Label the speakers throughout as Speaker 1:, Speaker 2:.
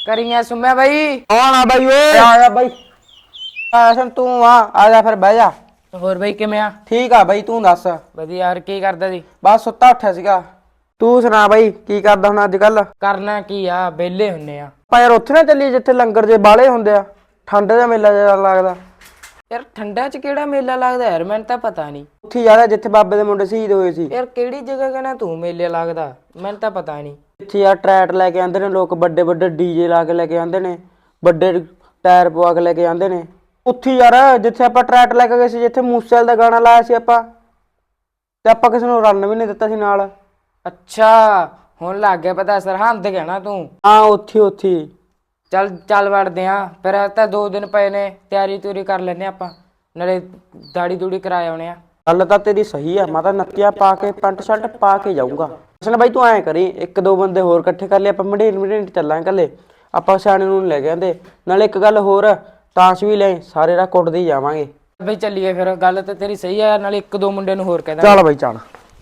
Speaker 1: करिया सुम्या भाई।
Speaker 2: कौन आ भाई ओए आया भाई ऐसा तू आ जा फिर बह जा
Speaker 1: ਹੋਰ ਬਈ ਕਿਵੇਂ ਆ?
Speaker 2: ठीक आ भाई तू दस
Speaker 1: ਵਧੀਆ ਯਾਰ ਕੀ ਕਰਦਾ ਸੀ?
Speaker 2: बस सुत्ता उठा सीगा तू सुना भाई की करदा हुण अज कल
Speaker 1: ਕਰਨਾ ਕੀ ਆ ਵਿਹਲੇ ਹੁੰਨੇ ਆ।
Speaker 2: ਆਪਾਂ ਯਾਰ ਉੱਥੇ ਨਾ ਚੱਲੀਏ ਜਿੱਥੇ ਲੰਗਰ ਜੇ ਬਾਲੇ ਹੁੰਦੇ ਆ ਠੰਡ ਦਾ ਮੇਲਾ ਜਿਹਾ ਲੱਗਦਾ
Speaker 1: ਯਾਰ ਠੰਡਾ ਚ ਕਿਹੜਾ ਮੇਲਾ ਲੱਗਦਾ ਯਾਰ ਮੈਨੂੰ ਤਾਂ ਪਤਾ ਨਹੀਂ।
Speaker 2: ਉੱਥੇ ਯਾਰ ਜਿੱਥੇ ਬਾਬੇ ਦੇ ਮੁੰਡੇ ਸ਼ਹੀਦ ਹੋਏ ਸੀ
Speaker 1: ਯਾਰ ਕਿਹੜੀ ਜਗ੍ਹਾ ਕਹਿੰਦਾ ਤੂੰ ਮੇਲੇ ਲੱਗਦਾ ਮੈਨੂੰ ਤਾਂ ਪਤਾ ਨਹੀਂ।
Speaker 2: ਇੱਥੇ ਯਾਰ ਟਰੈਟ ਲੈ ਕੇ ਆਂਦੇ ਨੇ ਲੋਕ ਵੱਡੇ ਵੱਡੇ ਡੀਜੇ ਲਾ ਕੇ ਲੈ ਕੇ ਆਂਦੇ ਨੇ ਵੱਡੇ ਟਾਇਰ ਪਵਾ ਕੇ ਲੈ ਕੇ ਆਂਦੇ ਨੇ ਉੱਥੇ ਯਾਰ ਜਿੱਥੇ ਆਪਾਂ ਟਰੈਟ ਲੈ ਕੇ ਗਏ ਸੀ ਜਿੱਥੇ ਮੂਸੇਵਾਲੇ ਦਾ ਗਾਣਾ ਲਾਇਆ ਸੀ ਆਪਾਂ ਤੇ ਆਪਾਂ ਕਿਸੇ ਨੂੰ ਰਨ ਵੀ ਨਹੀਂ ਦਿੱਤਾ ਸੀ ਨਾਲ।
Speaker 1: ਅੱਛਾ ਹੁਣ ਲੱਗ ਗਿਆ ਪਤਾ ਸਰਹੰਦ ਕਹਿਣਾ ਤੂੰ।
Speaker 2: ਹਾਂ ਉੱਥੇ ਉੱਥੇ
Speaker 1: ਚੱਲ ਚੱਲ ਵੜਦੇ ਆ ਫਿਰ ਤਾਂ 2 ਦਿਨ ਪਏ ਨੇ ਤਿਆਰੀ ਤੂਰੀ ਕਰ ਲੈਨੇ ਆਪਾਂ ਨਾਲੇ ਦਾੜੀ ਦੂੜੀ ਕਰਾ ਆਉਣੇ ਆ।
Speaker 2: ਗੱਲ ਤਾਂ ਤੇਰੀ ਸਹੀ ਆ ਮੈਂ ਤਾਂ ਨੱਤੀਆਂ ਪਾ ਕੇ ਪੈਂਟ ਸ਼ਰਟ ਪਾ ਕੇ ਜਾਊਂਗਾ। ਅਸਲ ਬਾਈ ਤੂੰ ਐਂ ਕਰੀ 1-2 ਬੰਦੇ ਹੋਰ ਇਕੱਠੇ ਕਰ ਲਈ ਆਪਾਂ ਮੰਡੇਰ ਚੱਲਾਂਗੇ ਕੱਲੇ ਆਪਾਂ ਸਿਆਣੇ ਨੂੰ ਲੈ ਕੇ ਆਂਦੇ ਨਾਲੇ ਇੱਕ ਗੱਲ ਹੋਰ ਤਾਸ਼ ਵੀ ਲੈ ਸਾਰੇ ਰਾਹ ਕੁੱਟਦੇ ਹੀ ਜਾਵਾਂਗੇ।
Speaker 1: ਬਈ ਚੱਲੀਏ ਫਿਰ ਗੱਲ ਤਾਂ ਤੇਰੀ ਸਹੀ ਆ ਨਾਲੇ 1-2 ਮੁੰਡੇ ਨੂੰ ਹੋਰ ਕਹਿ ਦਾਂਗੇ।
Speaker 2: ਚੱਲ ਬਾਈ ਚੱਲ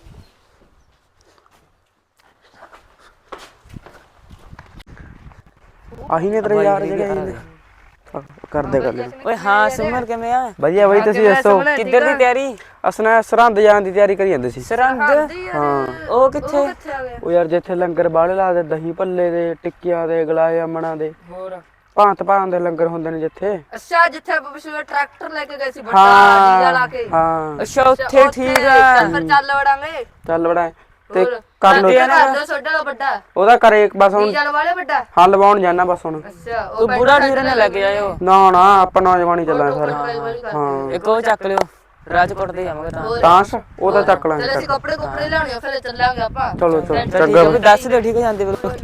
Speaker 2: ਆਹੀ ਨੇ ਤੇਰੇ ਯਾਰ ਜਿਹੜੇ ਕਰਦੇ ਗੱਲ
Speaker 1: ਓਏ ਹਾਂ ਸਿਮਰ ਕਿਵੇਂ ਆ?
Speaker 2: ਵਧੀਆ ਬਾਈ ਤੁਸੀਂ ਦੱਸੋ
Speaker 1: ਕਿੱਧਰ ਦੀ ਤਿਆਰੀ?
Speaker 2: ਅਸਨਾ ਸਰਹੰਦ ਜਾਣ ਦੀ ਤਿਆਰੀ ਕਰੀ ਜਾਂਦੇ ਸੀ।
Speaker 1: ਸਰਹੰਦ?
Speaker 2: ਹਾਂ
Speaker 1: ਉਹ ਕਿੱਥੇ?
Speaker 2: ਉਹ ਯਾਰ ਜਿੱਥੇ ਲੰਗਰ ਬਾਲੇ ਲਾਦੇ ਦਹੀਂ ਭੱਲੇ ਦੇ ਟਿੱਕੀਆਂ ਦੇ ਗਲਾਏ ਅਮਣਾ ਦੇ
Speaker 1: ਹੋਰ
Speaker 2: ਭਾਂਤ ਦੇ ਲੰਗਰ ਹੁੰਦੇ ਨੇ ਜਿੱਥੇ।
Speaker 3: ਅੱਛਾ ਜਿੱਥੇ ਆਪਾਂ ਪਿਛਲੇ ਟਰੈਕਟਰ ਲੈ ਕੇ ਗਏ ਸੀ ਵੱਡਾ ਡੀਜ਼ਾ ਲਾ ਕੇ।
Speaker 2: ਹਾਂ
Speaker 1: ਅੱਛਾ ਉੱਥੇ ਠੀਕ ਆ।
Speaker 3: ਫਿਰ ਚੱਲ ਵੜਾਂਗੇ
Speaker 2: ਚੱਲ ਬੜਾ ਤੇ ਕਰ ਲੋ
Speaker 3: ਛੋਟਾ ਵੱਡਾ
Speaker 2: ਉਹਦਾ ਕਰੇ ਇੱਕ ਬਸ ਹੁਣ
Speaker 3: ਡੀਜ਼ਾ ਵਾਲੇ ਵੱਡਾ।
Speaker 2: ਹਾਂ ਲਵਾਉਣ ਜਾਣਾ ਬਸ ਹੁਣ।
Speaker 3: ਅੱਛਾ
Speaker 1: ਤੂੰ ਬੁੜਾ ਢੀਰੇ ਨਾਲ ਲੈ ਕੇ ਆਇਓ।
Speaker 2: ਨਾ ਨਾ ਆਪਾਂ ਨੌਜਵਾਨੀ ਚੱਲਾਂਗੇ ਸਾਰੇ। ਹਾਂ
Speaker 1: ਇੱਕ ਉਹ ਚੱਕ ਲਿਓ ਰਾਜਕੋਟ ਦੇ ਜਾਵਾਂਗੇ ਤਾਂ।
Speaker 2: ਤਾਂਸ਼ ਉਹ ਤਾਂ ਚੱਕ ਲਾਂਗੇ।
Speaker 3: ਚਲ ਅਸੀਂ ਕੱਪੜੇ ਲਿਆਉਣੇ ਫਿਰ ਚੱਲਾਂਗੇ ਆਪਾਂ।
Speaker 2: ਚਲੋ ਚਲੋ
Speaker 1: ਚੰਗਾ
Speaker 2: ਚੰਗਾ
Speaker 1: ਵੀ ਦੱਸ ਦੇ ਠੀਕ ਜਾਂਦੇ ਬਿਲਕੁਲ।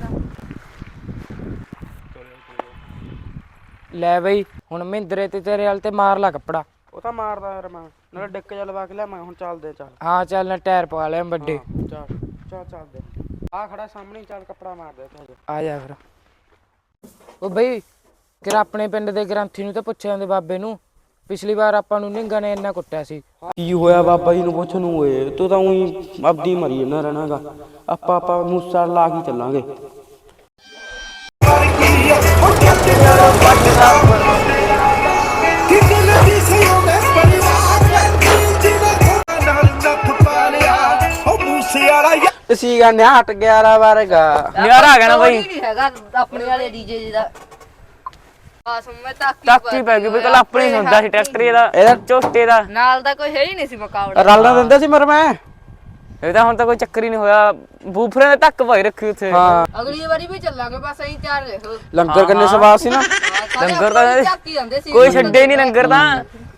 Speaker 1: ਲੈ ਬਈ ਹੁਣ ਮਹਿੰਦਰੇ ਤੇ ਤੇਰੇ ਵਾਲ ਤੇ ਮਾਰ ਲਾ ਕੱਪੜਾ।
Speaker 2: ਉਹ ਤਾਂ ਮਾਰਦਾ ਯਾਰ ਮੈਂ ਨਾਲੇ ਡਿੱਕ ਜਾ ਲਵਾ ਕੇ ਲਿਆ ਮੈਂ ਹੁਣ ਚੱਲਦੇ ਚੱਲ।
Speaker 1: ਹਾਂ ਚੱਲ ਨਾ ਟਾਇਰ ਪਵਾ ਲਿਆ ਵੱਡੇ।
Speaker 2: ਚੱਲ ਚੱਲ ਚੱਲਦੇ ਆ ਖੜਾ ਸਾਹਮਣੇ ਚੱਲ ਕੱਪੜਾ ਮਾਰ ਦੇ ਤੂੰ
Speaker 1: ਆ ਜਾ ਫਿਰ। ਉਹ ਬਈ ਕਿਰਾ ਆਪਣੇ ਪਿੰਡ ਦੇ ਗ੍ਰੰਥੀ ਨੂੰ ਤਾਂ ਪੁੱਛਿਆ ਜਾਂਦੇ ਬਾਬੇ ਨੂੰ ਪਿਛਲੀ ਵਾਰ ਆਪਾਂ ਨੂੰ ਨਿੰਗਾ ਨੇ ਇੰਨਾ ਕੁੱਟਿਆ ਸੀ।
Speaker 2: ਕੀ ਹੋਇਆ ਬਾਬਾ ਜੀ ਨੂੰ ਪੁੱਛ ਨੂੰ ਓਏ ਤੂੰ ਤਾਂ ਉਹੀ ਆਪਦੀ ਮਰੀ ਨਾ ਰਹਿਣਾਗਾ ਆਪਾਂ ਮੂਸਾ ਲਾ ਕੇ ਚੱਲਾਂਗੇ। ਸੀ ਗਾ ਨਿਆਟ 11 ਵਰਗਾ
Speaker 1: ਨਿਆਰਾ ਆ ਗਿਆ ਨਾ ਬਈ।
Speaker 3: ਨਹੀਂ ਹੈਗਾ ਆਪਣੇ ਵਾਲੇ ਡੀਜੇ ਜੀ ਦਾ। ਬਸ ਮੈਂ
Speaker 1: ਟਾਕੀ ਪੈ ਗਈ ਬਈ ਕੱਲ ਆਪਣੀ ਹੁੰਦਾ ਸੀ ਟਰੈਕਟਰ ਇਹਦਾ ਝੋਟੇ ਦਾ
Speaker 3: ਨਾਲ ਦਾ ਕੋਈ ਹੈ ਹੀ ਨਹੀਂ ਸੀ ਮੁਕਾਬਲਾ।
Speaker 2: ਰਲਣਾ ਦਿੰਦਾ ਸੀ ਮਰ ਮੈਂ
Speaker 1: ਇਹਦਾ ਹੁਣ ਤਾਂ ਕੋਈ ਚੱਕਰ ਹੀ ਨਹੀਂ ਹੋਇਆ ਬੂਫਰੇ ਦੇ ਧੱਕ ਭਾਈ ਰੱਖੀ ਉੱਥੇ।
Speaker 2: ਹਾਂ
Speaker 3: ਅਗਲੀ ਵਾਰੀ ਵੀ ਚੱਲਾਂਗੇ ਬਸ ਅਸੀਂ ਤਿਆਰ ਰਹੋ।
Speaker 2: ਲੰਗਰ ਕਿੰਨੇ ਸਵਾਦ ਸੀ ਨਾ।
Speaker 1: ਲੰਗਰ ਤਾਂ
Speaker 3: ਚੱਕੀ ਜਾਂਦੇ ਸੀ
Speaker 1: ਕੋਈ ਛੱਡੇ ਨਹੀਂ ਲੰਗਰ ਤਾਂ।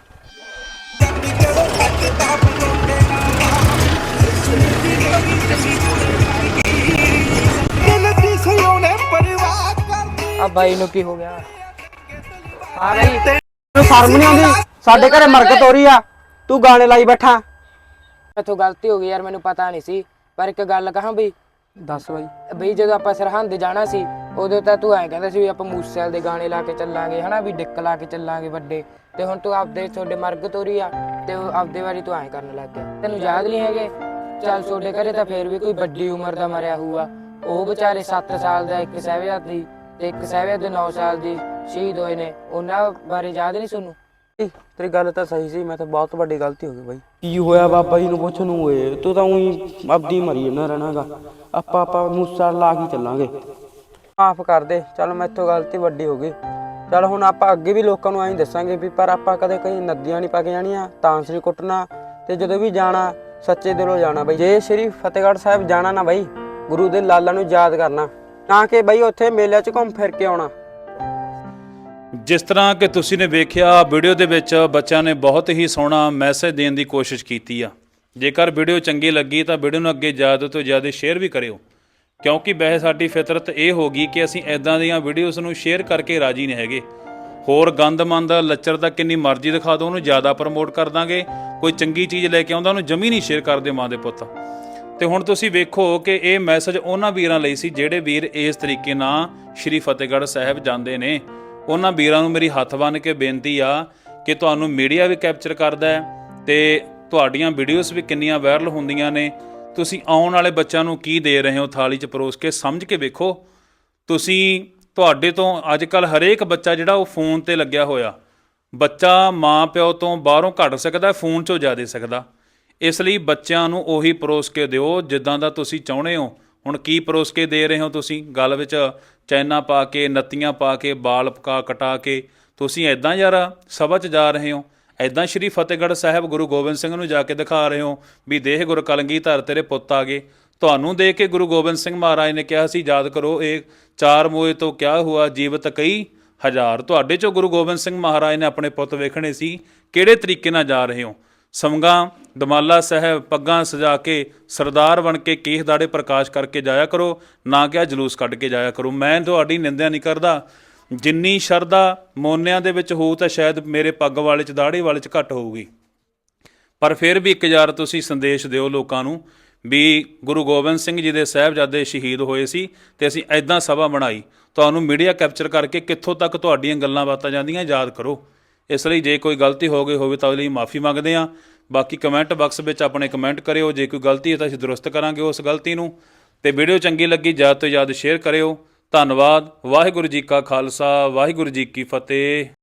Speaker 1: ਆ ਬਾਈ ਨੂੰ ਕੀ ਹੋ ਗਿਆ? ਆ ਬਈ
Speaker 2: ਤੈਨੂੰ ਸ਼ਰਮ ਨਹੀਂ ਆਉਂਦੀ ਸਾਡੇ ਘਰੇ ਮਰਕਤ ਹੋ ਰਹੀ ਆ ਤੂੰ ਗਾਣੇ ਲਾਈ ਬੈਠਾ।
Speaker 1: ਮੈਥੋਂ ਗਲਤੀ ਹੋ ਗਈ ਯਾਰ ਮੈਨੂੰ ਪਤਾ ਨਹੀਂ ਸੀ ਪਰ ਇੱਕ ਗੱਲ ਕਹਾਂ ਬਈ
Speaker 2: ਦੱਸ ਬਾਈ।
Speaker 1: ਬਈ ਜਦੋਂ ਆਪਾਂ ਸਰਹੰਦ ਜਾਣਾ ਸੀ ਉਦੋਂ ਤਾਂ ਤੂੰ ਐਂ ਕਹਿੰਦਾ ਸੀ ਵੀ ਆਪਾਂ ਮੂਸੇਵਾਲੇ ਦੇ ਗਾਣੇ ਲਾ ਕੇ ਚੱਲਾਂਗੇ ਹਨਾ ਵੀ ਡਿੱਕ ਲਾ ਕੇ ਚੱਲਾਂਗੇ ਵੱਡੇ ਤੇ ਹੁਣ ਤੂੰ ਆਪਦੇ ਤੁਹਾਡੇ ਮਰਗਤ ਹੋ ਰਹੀ ਆ ਤੇ ਆਪਦੇ ਵਾਰੀ ਤੂੰ ਐਂ ਕਰਨ ਲੱਗ ਗਿਆ। ਤੈਨੂੰ ਯਾਦ ਨਹੀਂ ਹੈਗੇ ਚੱਲ ਤੁਹਾਡੇ ਘਰੇ ਤਾਂ ਫੇਰ ਵੀ ਕੋਈ ਵੱਡੀ ਉਮਰ ਦਾ ਮਰਿਆ ਹੋਊਗਾ ਉਹ ਵਿਚਾਰੇ 7 ਸਾਲ ਦਾ ਇੱਕ ਸਾਹਿਬਜ਼ਾਦੀ ਤੇ ਇੱਕ ਸਾਹਿਬਜ਼ਾਦੇ 9 ਸਾਲ ਦੀ ਸ਼ਹੀਦ ਹੋਏ ਨੇ ਉਹਨਾਂ ਬਾਰੇ ਯਾਦ ਨਹੀਂ ਤੁਹਾਨੂੰ?
Speaker 2: ਤੇਰੀ ਗੱਲ ਤਾਂ ਸਹੀ ਸੀ ਮੈਂ ਤਾਂ ਬਹੁਤ ਵੱਡੀ ਗਲਤੀ ਹੋ ਗਈ ਬਾਈ। ਕੀ ਹੋਇਆ ਬਾਬਾ ਜੀ ਨੂੰ ਪੁੱਛ ਨੂੰ ਓਏ ਤੂੰ ਤਾਂ ਉਹੀ ਆਪਦੀ ਮਰੀ ਨਾ ਰਹਿਣਾਗਾ ਆਪਾਂ ਮੂਸਾ ਲਾ ਕੇ ਚੱਲਾਂਗੇ। ਮਾਫ ਕਰ ਦੇ ਚੱਲ ਮੈਥੋਂ ਗਲਤੀ ਵੱਡੀ ਹੋ ਗਈ। ਚੱਲ ਹੁਣ ਆਪਾਂ ਅੱਗੇ ਵੀ ਲੋਕਾਂ ਨੂੰ ਐਂ ਦੱਸਾਂਗੇ ਵੀ ਪਰ ਆਪਾਂ ਕਦੇ ਕहीं ਨਦੀਆਂ ਨਹੀਂ ਪਾ ਕੇ ਜਾਣੀਆਂ ਤਾਂਸ ਨਹੀਂ ਕੁੱਟਣਾ ਤੇ ਜਦੋਂ ਵੀ ਜਾਣਾ ਸੱਚੇ ਦਿਲੋਂ ਜਾਣਾ ਬਈ। ਜੇ ਸ਼੍ਰੀ ਫਤਿਹਗੜ੍ਹ ਸਾਹਿਬ ਜਾਣਾ ਨਾ ਬਈ ਗੁਰੂ ਦੇ ਲਾਲਾਂ ਨੂੰ ਯਾਦ ਕਰਨਾ ਨਾ ਕਿ ਬਈ ਉੱਥੇ ਮੇਲਿਆਂ 'ਚ ਘੁੰਮ ਫਿਰ ਕੇ ਆਉਣਾ।
Speaker 4: ਜਿਸ ਤਰ੍ਹਾਂ ਕਿ ਤੁਸੀਂ ਨੇ ਵੇਖਿਆ ਵੀਡੀਓ ਦੇ ਵਿੱਚ ਬੱਚਿਆਂ ਨੇ ਬਹੁਤ ਹੀ ਸੋਹਣਾ ਮੈਸੇਜ ਦੇਣ ਦੀ ਕੋਸ਼ਿਸ਼ ਕੀਤੀ ਆ। ਜੇਕਰ ਵੀਡੀਓ ਚੰਗੀ ਲੱਗੀ ਤਾਂ ਵੀਡੀਓ ਨੂੰ ਅੱਗੇ ਜ਼ਿਆਦਾ ਤੋਂ ਜ਼ਿਆਦਾ ਸ਼ੇਅਰ ਵੀ ਕਰਿਓ ਕਿਉਂਕਿ ਵੈਸੇ ਸਾਡੀ ਫਿਤਰਤ ਇਹ ਹੋ ਗਈ ਕਿ ਅਸੀਂ ਇਦਾਂ ਦੀਆਂ ਵੀਡੀਓਜ਼ ਨੂੰ ਸ਼ੇਅਰ ਕਰਕੇ ਰਾਜੀ ਨਹੀਂ ਹੈਗੇ। ਹੋਰ ਗੰਦਮੰਦ ਲੱਚਰ ਦਾ ਕਿੰਨੀ ਮਰਜ਼ੀ ਦਿਖਾ ਦਿਓ ਉਹਨੂੰ ਜ਼ਿਆਦਾ ਪ੍ਰਮੋਟ ਕਰ ਦਾਂਗੇ। ਕੋਈ ਚੰਗੀ ਚੀਜ਼ ਲੈ ਕੇ ਆਉਂਦਾ ਉਹਨੂੰ ਜਮੀ ਨਹੀਂ ਸ਼ੇਅਰ ਕਰਦੇ ਮਾਂ ਦੇ ਪੁੱਤ। ਤੇ ਹੁਣ ਤੁਸੀਂ ਵੇਖੋ ਕਿ ਇਹ ਮੈਸੇਜ ਉਹਨਾਂ ਵੀਰਾਂ ਲਈ ਸੀ ਜਿਹੜੇ ਵੀਰ ਇਸ ਤਰੀਕੇ ਨਾਲ ਸ਼੍ਰੀ ਫਤਿਹਗੜ੍ਹ ਸਾਹਿਬ ਜਾਂਦੇ ਨੇ। ਉਹਨਾਂ ਵੀਰਾਂ ਨੂੰ ਮੇਰੀ ਹੱਥ ਬੰਨ੍ਹ ਕੇ ਬੇਨਤੀ ਆ ਕਿ ਤੁਹਾਨੂੰ ਮੀਡੀਆ ਵੀ ਕੈਪਚਰ ਕਰਦਾ ਹੈ ਤੇ ਤੁਹਾਡੀਆਂ ਵੀਡੀਓਜ਼ ਵੀ ਕਿੰਨੀਆਂ ਵਾਇਰਲ ਹੁੰਦੀਆਂ ਨੇ। ਤੁਸੀਂ ਆਉਣ ਵਾਲੇ ਬੱਚਿਆਂ ਨੂੰ ਕੀ ਦੇ ਰਹੇ ਹੋ ਥਾਲੀ 'ਚ ਪਰੋਸ ਕੇ ਸਮਝ ਕੇ ਵੇਖੋ। ਤੁਸੀਂ ਤੁਹਾਡੇ ਤੋਂ ਅੱਜ ਕੱਲ ਹਰੇਕ ਬੱਚਾ ਜਿਹੜਾ ਉਹ ਫੋਨ ਤੇ ਲੱਗਿਆ ਹੋਇਆ। ਬੱਚਾ ਮਾਂ ਪਿਓ ਤੋਂ ਬਾਹਰੋਂ ਘੱਟ ਸਕਦਾ, ਫੋਨ 'ਚੋਂ ਜ਼ਿਆਦਾ ਸਕਦਾ। ਇਸ ਲਈ ਬੱਚਿਆਂ ਨੂੰ ਉਹੀ ਪਰੋਸ ਕੇ ਦਿਓ ਜਿੱਦਾਂ ਦਾ ਤੁਸੀਂ ਚਾਹੁੰਦੇ ਹੋ। ਹੁਣ ਕੀ ਪਰੋਸ ਕੇ ਦੇ ਰਹੇ ਹੋ ਤੁਸੀਂ? ਗਲ ਵਿੱਚ ਚੈਨਾ ਪਾ ਕੇ, ਨੱਤੀਆਂ ਪਾ ਕੇ, ਬਾਲ ਕਟਾ ਕੇ ਤੁਸੀਂ ਐਦਾਂ ਯਾਰ ਸਭਾ 'ਚ ਜਾ ਰਹੇ ਹੋ? ਐਦਾਂ ਸ਼੍ਰੀ ਫਤਿਹਗੜ੍ਹ ਸਾਹਿਬ ਗੁਰੂ ਗੋਬਿੰਦ ਸਿੰਘ ਨੂੰ ਜਾ ਕੇ ਦਿਖਾ ਰਹੇ ਹੋ ਵੀ ਦੇਖ ਗੁਰ ਕਲਗੀਧਰ ਤੇਰੇ ਪੁੱਤ ਆ ਗਏ। ਤੁਹਾਨੂੰ ਦੇਖ ਕੇ ਗੁਰੂ ਗੋਬਿੰਦ ਸਿੰਘ ਮਹਾਰਾਜ ਨੇ ਕਿਹਾ ਸੀ, ਯਾਦ ਕਰੋ ਇਹ ਚਾਰ ਮੋਏ ਤੋਂ ਕਿਆ ਹੁਆ ਜੀਵਤ ਕਈ ਹਜ਼ਾਰ। ਤੁਹਾਡੇ 'ਚੋਂ ਗੁਰੂ ਗੋਬਿੰਦ ਸਿੰਘ ਮਹਾਰਾਜ ਨੇ ਆਪਣੇ ਪੁੱਤ ਵੇਖਣੇ ਸੀ। ਕਿਹੜੇ ਤਰੀਕੇ ਨਾਲ ਜਾ ਰਹੇ ਹੋ? ਸੰਗਾਂ ਦਮਾਲਾ ਸਾਹਿਬ ਪੱਗਾਂ ਸਜਾ ਕੇ ਸਰਦਾਰ ਬਣ ਕੇ ਕੇਸ ਦਾੜੇ ਪ੍ਰਕਾਸ਼ ਕਰਕੇ ਜਾਇਆ ਕਰੋ, ਨਾ ਕਿ ਜਲੂਸ ਕੱਢ ਕੇ ਜਾਇਆ ਕਰੋ। ਮੈਂ ਤੁਹਾਡੀ ਨਿੰਦਿਆ ਨਹੀਂ ਕਰਦਾ। ਜਿੰਨੀ ਸ਼ਰਧਾ ਮੋਨਿਆਂ ਦੇ ਵਿੱਚ ਹੋਊ ਤਾਂ ਸ਼ਾਇਦ ਮੇਰੇ ਪੱਗ ਵਾਲੇ 'ਚ ਦਾੜੀ ਵਾਲੇ 'ਚ ਘੱਟ ਹੋਊਗੀ, ਪਰ ਫਿਰ ਵੀ ਇੱਕ ਯਾਰ ਤੁਸੀਂ ਸੰਦੇਸ਼ ਦਿਓ ਲੋਕਾਂ ਨੂੰ ਵੀ ਗੁਰੂ ਗੋਬਿੰਦ ਸਿੰਘ ਜੀ ਦੇ ਸਾਹਿਬਜ਼ਾਦੇ ਸ਼ਹੀਦ ਹੋਏ ਸੀ ਤੇ ਅਸੀਂ ਐਦਾਂ ਸਭਾ ਬਣਾਈ। ਤੁਹਾਨੂੰ ਮੀਡੀਆ ਕੈਪਚਰ ਕਰਕੇ ਕਿੱਥੋਂ ਤੱਕ ਤੁਹਾਡੀਆਂ ਗੱਲਾਂ ਬਾਤਾਂ ਜਾਂਦੀਆਂ ਯਾਦ ਕਰੋ। ਇਸ ਲਈ ਜੇ ਕੋਈ ਗਲਤੀ ਹੋ ਗਈ ਹੋਵੇ ਤਾਂ ਉਹਦੇ ਲਈ ਮਾਫੀ ਮੰਗਦੇ ਹਾਂ। ਬਾਕੀ ਕਮੈਂਟ ਬਾਕਸ ਵਿੱਚ ਆਪਣੇ ਕਮੈਂਟ ਕਰਿਓ, ਜੇ ਕੋਈ ਗਲਤੀ ਹੈ ਤਾਂ ਅਸੀਂ ਦੁਰਸਤ ਕਰਾਂਗੇ ਉਸ ਗਲਤੀ ਨੂੰ। ਤੇ ਵੀਡੀਓ ਚੰਗੀ ਲੱਗੀ ਜ਼ਿਆਦਾ ਤੋਂ ਜ਼ਿਆਦਾ ਸ਼ੇਅਰ ਕਰਿਓ। ਧੰਨਵਾਦ। ਵਾਹਿਗੁਰੂ ਜੀ ਕਾ ਖਾਲਸਾ, ਵਾਹਿਗੁਰੂ ਜੀ ਕੀ ਫਤਿਹ।